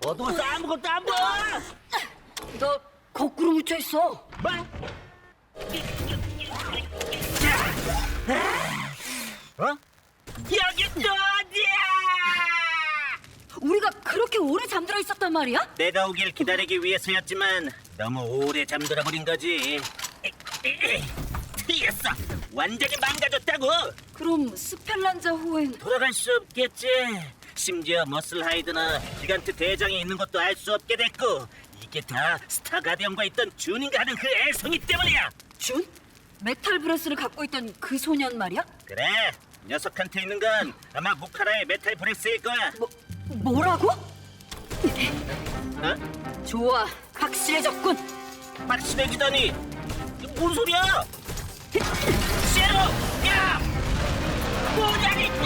어두워서 아무것도 안 보여. 너 거꾸로 묻혀 있어. 뭐? 어? 여기 또 어디야? 우리가 그렇게 오래 잠들어 있었단 말이야? 내가 오길 기다리기 위해서였지만 너무 오래 잠들어 버린 거지. 틀렸어. 완전히 망가졌다고. 그럼 스펠란자 호엔 돌아갈 수 없겠지. 심지어 머슬 하이드나 기간트 대장이 있는 것도 알 수 없게 됐고, 이게 다 스타 가디언과 있던 준인가 하는 그 애송이 때문이야. 준? 메탈 브레스를 갖고 있던 그 소년 말이야? 그래, 녀석한테 있는 건 아마 무카라의 메탈 브레스일 거야. 뭐라고? 어? 좋아, 확실해졌군. 확실해지다니. 뭔 소리야? 쉐로, 야! 뭐냐니?